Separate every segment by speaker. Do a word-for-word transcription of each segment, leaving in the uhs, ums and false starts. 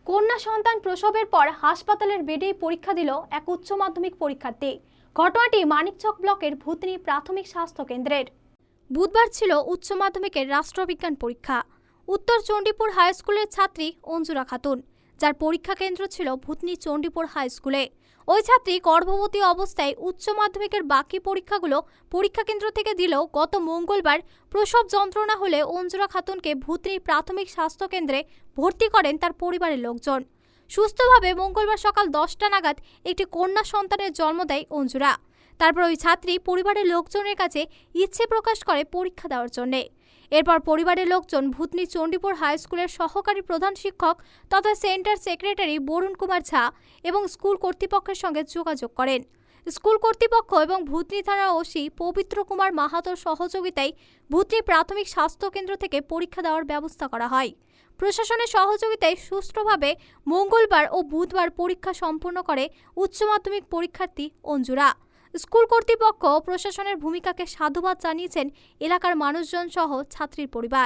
Speaker 1: কন্যা সন্তান প্রসবের পর হাসপাতালের বেডেই পরীক্ষা দিল এক উচ্চ মাধ্যমিক পরীক্ষার্থী। ঘটনাটি মানিকচক ব্লকের ভূতনি প্রাথমিক স্বাস্থ্য কেন্দ্রের। বুধবার ছিল উচ্চ মাধ্যমিকের রাষ্ট্রবিজ্ঞান পরীক্ষা। উত্তর চণ্ডীপুর হাই স্কুলের ছাত্রী অঞ্জুরা খাতুন, যার পরীক্ষা কেন্দ্র ছিল ভূতনি চণ্ডীপুর হাই স্কুলে। ওই ছাত্রী গর্ভবতী অবস্থায় উচ্চ মাধ্যমিকের বাকি পরীক্ষাগুলো পরীক্ষা কেন্দ্র থেকে দিলেও গত মঙ্গলবার প্রসব যন্ত্রণা হলে অঞ্জুরা খাতুনকে ভূতনি প্রাথমিক স্বাস্থ্য কেন্দ্রে ভর্তি করেন তার পরিবারের লোকজন। সুস্থভাবে মঙ্গলবার সকাল দশটা নাগাদ একটি কন্যা সন্তানের জন্ম দেয় অঞ্জুরা। তারপর ওই ছাত্রী পরিবারের লোকজনের কাছে ইচ্ছে প্রকাশ করে পরীক্ষা দেওয়ার জন্যে। এরপর পরিবারের লোকজন ভূতনি চণ্ডীপুর হাই স্কুলের সহকারী প্রধান শিক্ষক তথা সেন্টার সেক্রেটারি বরুণ কুমার ঝা এবং স্কুল কর্তৃপক্ষের সঙ্গে যোগাযোগ করেন। স্কুল কর্তৃপক্ষ এবং ভূতনি থানার ওসি পবিত্র কুমার মাহাতোর সহযোগিতায় ভূতনি প্রাথমিক স্বাস্থ্য কেন্দ্র থেকে পরীক্ষা দেওয়ার ব্যবস্থা করা হয়। প্রশাসনের সহযোগিতায় সুষ্ঠুভাবে মঙ্গলবার ও বুধবার পরীক্ষা সম্পন্ন করে উচ্চ মাধ্যমিক পরীক্ষার্থী অঞ্জুরা। স্কুল কর্তৃপক্ষ ও প্রশাসনের ভূমিকাকে সাধুবাদ জানিয়েছেন এলাকার মানুষজন সহ ছাত্রীর পরিবার।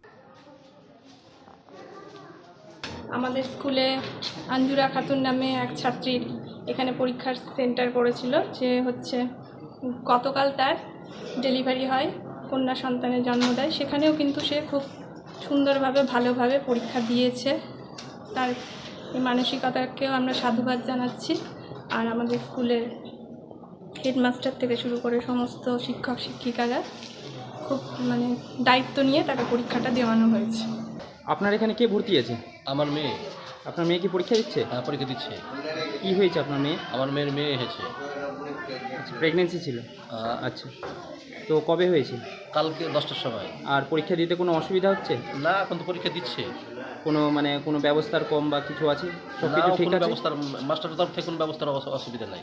Speaker 2: আমাদের স্কুলে অঞ্জুরা খাতুন নামে এক ছাত্রীর এখানে পরীক্ষার সেন্টার করেছিল, যে হচ্ছে গতকাল তার ডেলিভারি হয়, কন্যা সন্তানের জন্ম দেয়। সেখানেও কিন্তু সে খুব সুন্দরভাবে ভালোভাবে পরীক্ষা দিয়েছে। তার এই মানসিকতাকেও আমরা সাধুবাদ জানাচ্ছি। আর আমাদের স্কুলের হেডমাস্টার থেকে শুরু করে সমস্ত শিক্ষক শিক্ষিকারা খুব মানে দায়িত্ব নিয়ে তাকে পরীক্ষাটা দেওয়ানো হয়েছে।
Speaker 3: আপনার এখানে কে ভর্তি আছে?
Speaker 4: আমার মেয়ে।
Speaker 3: আপনার মেয়ে কি পরীক্ষা দিচ্ছে?
Speaker 4: হ্যাঁ, পরীক্ষা দিচ্ছে।
Speaker 3: কি হয়েছে আপনার মেয়ে?
Speaker 4: আমার মেয়ের মেয়ে হয়েছে।
Speaker 3: প্রেগনেন্সি ছিল?
Speaker 4: আহ,
Speaker 3: আচ্ছা, তো কবে হয়েছে?
Speaker 4: কালকে দশটার সময়।
Speaker 3: আর পরীক্ষা দিতে কোনো অসুবিধা হচ্ছে?
Speaker 4: না, এখন তো পরীক্ষা দিচ্ছে।
Speaker 3: কোনো মানে কোনো ব্যবস্থার কম বা কিছু আছে? সব
Speaker 4: না,
Speaker 3: কিছু ঠিক
Speaker 4: কোনো
Speaker 3: আছে?
Speaker 4: ব্যবস্থার মাস্টারের তরফ থেকে কোনো ব্যবস্থার অস- অসুবিধা নাই।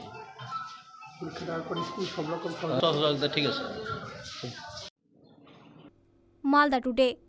Speaker 4: সহযোগিতা ঠিক আছে।
Speaker 1: মালদা টুডে।